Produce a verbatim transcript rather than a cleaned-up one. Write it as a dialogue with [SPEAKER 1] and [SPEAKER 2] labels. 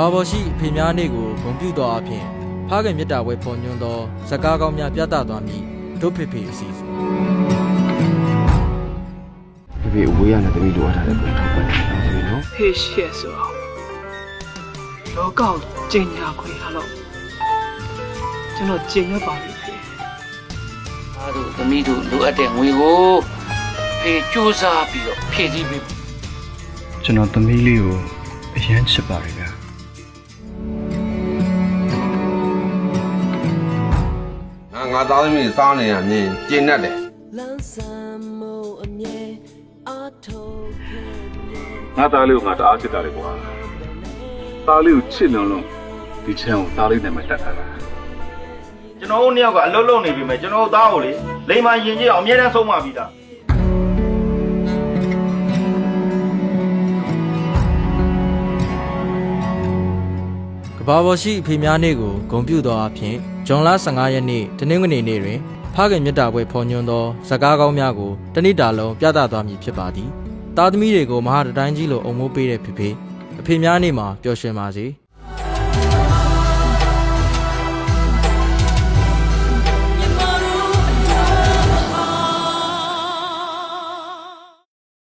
[SPEAKER 1] ဘာပေါ်ရှိအဖေများနေ့ကိုဂုဏ်ပြုတော်အဖြစ်ဖခင်မြတ်တာဝဲပေါ်ညွှန်းသောဇကားကောင်းများပြသသွားမည်ဒုဖေဖေအစီအစဉ်
[SPEAKER 2] ဖေဖေအဝေးရတဲ့တမီးလိုအပ်တာလည်းပြန်ထောက်ပါတယ်ဖေဖေနော်
[SPEAKER 3] ဖေရှက်ဆိုတော့လောကောက်ကျင်ညာခွေရတော့ကျွန်တော်ကျင်ရပါလိမ့်ဖေ
[SPEAKER 4] အားတို့သမီးတို့လိုအပ်တဲ့ငွေကိုဖေစူးစမ်းပြီးတော့ဖြည့်ဆည်းပေး
[SPEAKER 5] ကျွန်တော်သမီးလေးကိုအရန်ချစ်ပါတယ်ဗျာ
[SPEAKER 2] ငါငါသားသမီးစားနေရမြင်ကျင်တတ်တယ်
[SPEAKER 6] ငါသားလေးကိုငါတအားချစ်တာလေကွာသားလေးကိုချစ်လွန်လွန်ဒီချမ်းကိုသားလေးနဲ့မှတတ်ထားတာ
[SPEAKER 7] ကျွန်တော်တို့နှစ်ယောက်ကအလုံးလုံးနေပြီမဲ့ကျွန်တော်တို့သားကိုလေလိမ္မာရင်ကြီးအောင်အမြဲတမ်းဆုံးမပြီးသား
[SPEAKER 1] ကဘာပေါ်ရှိအဖေများနေ့ကိုဂုဏ်ပြုတော်အဖြစ်ဇွန်လဆယ့်ငါရက်နေ့တနင်္ဂနွေနေ့တွင်ဖခင်မြတ်တာပွဲဖော်ညွှန်းသောဇကားကောင်းများကိုတနစ်တာလုံးပြသသွားမည်ဖြစ်ပါသည်သားသမီးတွေကိုမဟာတတိုင်းကြီးလိုအုံမိုးပေးတဲ့ဖေဖေအဖေများနေ့မှာပျော်ရွှင်ပါစေ